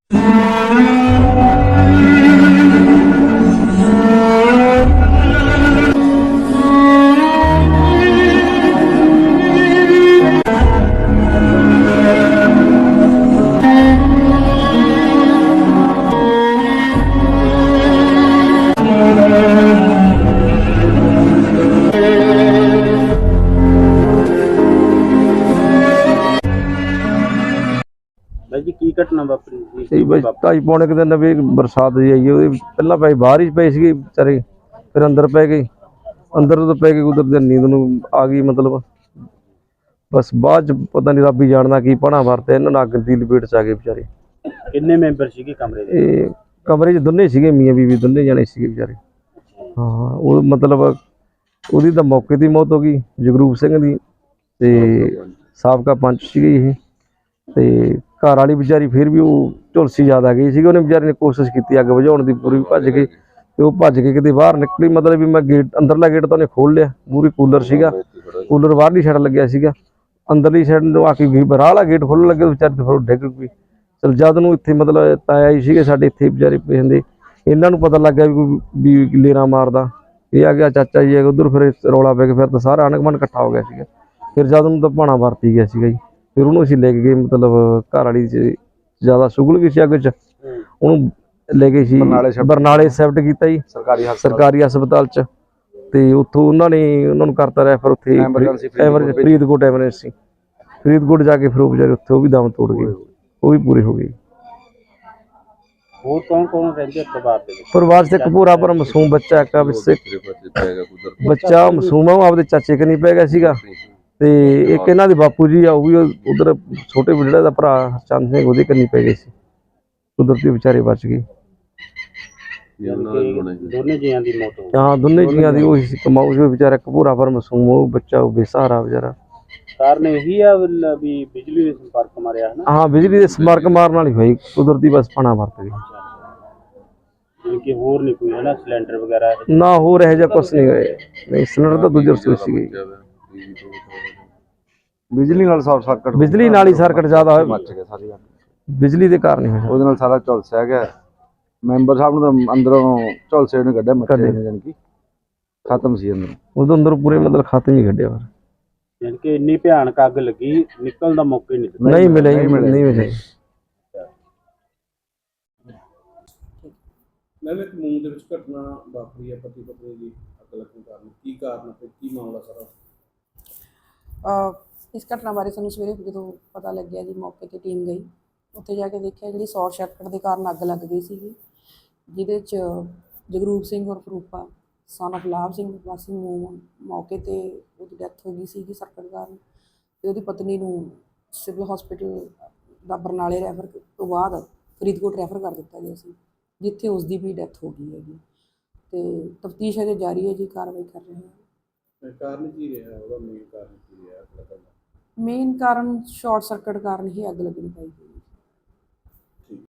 ਬਾਈ ਜੀ ਕੀ ਘਟਨਾ ਵਾਪਰੀ ਸੀ? ਇਹ ਬਸ 2:30 ਪੌਣੇ ਦਿਨ ਵੀ ਬਰਸਾਤ ਜੀ ਆਈ ਉਹਦੇ ਪਹਿਲਾਂ ਭਾਈ ਬਾਹਰ ਹੀ ਪਏ ਸੀਗੇ ਵਿਚਾਰੇ, ਫਿਰ ਅੰਦਰ ਪੈ ਗਏ। ਅੰਦਰ ਤੋਂ ਪੈ ਕੇ ਕੁਦਰਤੀ ਨੀਂਦ ਨੂੰ ਆ ਗਈ, ਮਤਲਬ ਬਸ ਬਾਅਦ ਚ ਪਤਾ ਨਹੀਂ ਰੱਬ ਹੀ ਜਾਣਦਾ ਕੀ ਪਣਾ ਵਰਤੇ ਇਹਨਾਂ ਨਾਲ ਅੱਗ ਦੀ ਲਪੇਟ ਚ ਆ ਗਏ ਵਿਚਾਰੇ। ਕਿੰਨੇ ਮੈਂਬਰ ਸੀਗੇ ਕਮਰੇ ਦੇ? ਇਹ ਕਮਰੇ 'ਚ ਦੋਨੇ ਸੀਗੇ, ਮੀਆਂ ਬੀਵੀ ਦੋਨੇ ਜਾਣੇ ਸੀਗੇ ਵਿਚਾਰੇ। ਹਾਂ ਉਹ ਮਤਲਬ ਉਹਦੀ ਤਾਂ ਮੌਕੇ ਦੀ ਮੌਤ ਹੋ ਗਈ, ਜਗਰੂਪ ਸਿੰਘ ਦੀ, ਤੇ ਸਾਬਕਾ ਪੰਚ ਸੀਗੇ ਇਹ। ਤੇ ਘਰ ਵਾਲੀ ਵਿਚਾਰੀ ਫਿਰ ਵੀ ਉਹ ਝੁਲਸੀ ਜ਼ਿਆਦਾ ਗਈ ਸੀਗੀ, ਉਹਨੇ ਵਿਚਾਰੀ ਨੇ ਕੋਸ਼ਿਸ਼ ਕੀਤੀ ਅੱਗ ਬੁਝਾਉਣ ਦੀ ਪੂਰੀ, ਭੱਜ ਕੇ ਤੇ ਉਹ ਭੱਜ ਕੇ ਕਿਤੇ ਬਾਹਰ ਨਿਕਲੀ। ਮਤਲਬ ਵੀ ਮੈਂ ਗੇਟ ਅੰਦਰਲਾ ਗੇਟ ਤਾਂ ਉਹਨੇ ਖੋਲ ਲਿਆ, ਮੂਹਰੇ ਕੂਲਰ ਸੀਗਾ, ਕੂਲਰ ਬਾਹਰਲੀ ਸਾਈਡ ਲੱਗਿਆ ਸੀਗਾ, ਅੰਦਰਲੀ ਸਾਈਡ ਨੂੰ ਆ ਕੇ ਗਈ ਬਾਹਰ ਵਾਲਾ ਗੇਟ ਖੋਲ੍ਹਣ ਲੱਗੇ ਵਿਚਾਰੀ ਤੇ ਫਿਰ ਡਿੱਗ ਪਈ। ਚਲ ਜਦ ਨੂੰ ਇੱਥੇ ਮਤਲਬ ਤਾਇਆ ਹੀ ਸੀਗੇ ਸਾਡੇ ਇੱਥੇ ਵਿਚਾਰੇ ਪੈਂਦੇ, ਇਹਨਾਂ ਨੂੰ ਪਤਾ ਲੱਗ ਗਿਆ ਵੀ ਲੇਰਾ ਮਾਰਦਾ, ਇਹ ਆ ਗਿਆ ਚਾਚਾ ਜੀ ਉਧਰ, ਫਿਰ ਰੌਲਾ ਪੈ ਗਿਆ, ਫਿਰ ਤਾਂ ਸਾਰਾ ਆਂਢ ਗੁਆਂਢ ਇਕੱਠਾ ਹੋ ਗਿਆ ਸੀਗਾ। ਫਿਰ ਜਦ ਨੂੰ ਤਾਂ ਭਾਣਾ ਵਰਤੀ ਗਿਆ ਸੀਗਾ ਜੀ, ਫਿਰ ਉਹਨੂੰ ਅਸੀਂ ਲੈ ਕੇ ਗਏ, ਮਤਲਬ ਘਰ ਵਾਲੀ 'ਚ ਜ਼ਿਆਦਾ ਸੁਗਲ ਗਈ ਸੀ ਅੱਗ 'ਚ, ਉਹਨੂੰ ਲੈ ਗਏ ਸੀ ਬਰਨਾਲੇ ਸ਼ਿਫਟ ਕੀਤਾ ਜੀ ਸਰਕਾਰੀ ਹਸਪਤਾਲ 'ਚ, ਤੇ ਉੱਥੋਂ ਉਹਨਾਂ ਨੂੰ ਕਰਤਾ ਰੈਫਰ ਉੱਥੇ ਫਰੀਦਕੋਟ ਐਮਰਜੈਂਸੀ, ਫਰੀਦਕੋਟ ਜਾ ਕੇ ਫਿਰ ਉਹ ਵਿਚਾਰੇ ਉੱਥੇ ਉਹ ਵੀ ਦਮ ਤੋੜ ਗਏ, ਉਹ ਵੀ ਪੂਰੇ ਹੋ ਗਏ। ਹੋਰ ਕੌਣ ਕੌਣ ਰਹਿੰਦੇ ਪਰਿਵਾਰ ਦੇ ਵਿੱਚ? ਪਰਿਵਾਰ 'ਚ ਇੱਕ ਭੋਰਾ ਪਰ ਮਾਸੂਮ ਬੱਚਾ, ਇੱਕ ਬੱਚਾ ਮਾਸੂਮ ਆ, ਉਹ ਆਪਦੇ ਚਾਚੇ ਕਨੀ ਪੈ ਗਿਆ ਸੀਗਾ, ਤੇ ਇੱਕ ਇਹਨਾਂ ਦੇ ਬਾਪੂ ਜੀ ਆ, ਉਹ ਵੀ ਉਧਰ ਛੋਟੇ ਜਿਹੜਾ ਦਾ ਭਰਾ ਚੰਦ ਸਿੰਘ, ਉਹਦੇ ਕੰਨੀ ਪੈ ਗਏ ਸੀ, ਕੁਦਰਤੀ ਵਿਚਾਰੇ ਬਚ ਗਏ। ਦੋਨੇ ਜੀਆਂ ਦੀ ਮੌਤ ਹੋ ਗਈ? ਹਾਂ ਦੋਨੇ ਜੀਆਂ ਦੀ ਉਹੀ ਸੀ, ਕਮਾਊ ਜੋ ਵਿਚਾਰਾ ਇੱਕ ਭੋਰਾ ਪਰ ਮਾਸੂਮ, ਉਹ ਬੱਚਾ ਉਹ ਬੇਸਹਾਰਾ ਵਿਚਾਰਾ। ਕਾਰਨ ਇਹੀ ਆ ਵੀ ਬਿਜਲੀ ਦੇ ਸੰਪਰਕ ਮਾਰਿਆ ਹੈ ਨਾ? ਹਾਂ ਬਿਜਲੀ ਦੇ ਸੰਪਰਕ ਮਾਰਨ ਵਾਲੀ ਹੋਈ, ਕੁਦਰਤੀ ਬਸ ਪਾਣਾ ਵਰਤ ਗਈ। ਕਿ ਹੋਰ ਨਹੀਂ ਕੋਈ ਹੈ ਨਾ ਸਿਲੰਡਰ ਵਗੈਰਾ? ਨਾ ਹੋਰ ਇਹੋ ਜਿਹਾ ਕੁਛ ਨਹੀਂ ਹੋਇਆ, ਨਹੀਂ ਸਿਲੰਡਰ ਤਾਂ ਦੂਜੇ ਰਸੋਈ ਸੀ ਗਈ। ਬਿਜਲੀ ਨਾਲ ਸ਼ਾਰਟ ਸਰਕਟ, ਬਿਜਲੀ ਨਾਲ ਹੀ ਸਰਕਟ ਜ਼ਿਆਦਾ ਹੋਇਆ, ਮੱਚ ਗਿਆ ਸਾਰੀ ਬਿਜਲੀ ਦੇ ਕਾਰਨ ਹੀ ਹੋਇਆ, ਉਹਦੇ ਨਾਲ ਸਾਰਾ ਝੁਲਸਿਆ ਗਿਆ। ਮੈਂਬਰ ਸਾਹਿਬ ਨੂੰ ਤਾਂ ਅੰਦਰੋਂ ਝੁਲਸੇ ਨੇ ਕੱਢਿਆ, ਮੱਛੇ ਨੇ, ਜਾਣੀ ਕਿ ਖਤਮ ਸੀ ਅੰਦਰ, ਉਹਦੇ ਅੰਦਰ ਪੂਰੇ ਮਤਲਬ ਖਾਤਮ ਹੀ ਕੱਢਿਆ। ਯਾਨੀ ਕਿ ਇੰਨੀ ਭਿਆਨਕ ਅੱਗ ਲੱਗੀ, ਨਿਕਲਣ ਦਾ ਮੌਕਾ ਹੀ ਨਹੀਂ ਦਿੱਤਾ? ਨਹੀਂ ਮਿਲਿਆ, ਨਹੀਂ ਮਿਲਿਆ। ਮੈਂ ਇੱਕ ਮੂੰਹ ਦੇ ਵਿੱਚ ਘਟਨਾ ਵਾਪਰੀ ਹੈ, ਪਤੀ ਪਤਨੀ ਦੀ ਅੱਗ ਲੱਗਣ ਕਾਰਨ, ਕੀ ਕਾਰਨ ਤੇ ਕੀ ਮਾਮਲਾ ਸਾਰਾ? ਇਸ ਘਟਨਾ ਬਾਰੇ ਸਾਨੂੰ ਸਵੇਰੇ ਜਦੋਂ ਪਤਾ ਲੱਗਿਆ ਜੀ, ਮੌਕੇ 'ਤੇ ਟੀਮ ਗਈ, ਉੱਥੇ ਜਾ ਕੇ ਦੇਖਿਆ ਜਿਹੜੀ ਸ਼ਾਰਟ ਸਰਕਟ ਦੇ ਕਾਰਨ ਅੱਗ ਲੱਗ ਗਈ ਸੀਗੀ, ਜਿਹਦੇ 'ਚ ਜਗਰੂਪ ਸਿੰਘ ਔਰ ਫਰੂਪਾ ਸਨ ਆਫ ਲਾਭ ਸਿੰਘ ਵਾਸੀ ਮੂੰਹ, ਮੌਕੇ 'ਤੇ ਉਹਦੀ ਡੈਥ ਹੋ ਗਈ ਸੀਗੀ ਸਰਕਟ ਕਾਰਨ, ਅਤੇ ਉਹਦੀ ਪਤਨੀ ਨੂੰ ਸਿਵਲ ਹਸਪੀਟਲ ਦਾ ਬਰਨਾਲੇ ਰੈਫਰ ਤੋਂ ਬਾਅਦ ਫਰੀਦਕੋਟ ਰੈਫਰ ਕਰ ਦਿੱਤਾ ਗਿਆ ਸੀ, ਜਿੱਥੇ ਉਸ ਦੀ ਵੀ ਡੈਥ ਹੋ ਗਈ ਹੈਗੀ, ਅਤੇ ਤਫਤੀਸ਼ ਅਜੇ ਜਾਰੀ ਹੈ ਜੀ, ਕਾਰਵਾਈ ਕਰ ਰਹੇ ਹਾਂ। ਕਾਰਨ ਕੀ ਰਿਹਾ ਉਹਦਾ, ਮੇਨ ਕਾਰਨ ਕੀ ਰਿਹਾ? ਮੇਨ ਕਾਰਨ ਸ਼ਾਰਟ ਸਰਕਟ ਕਾਰਨ ਹੀ ਅੱਗ ਲੱਗਣੀ ਪਾਈ ਹੋਈ ਹੈ।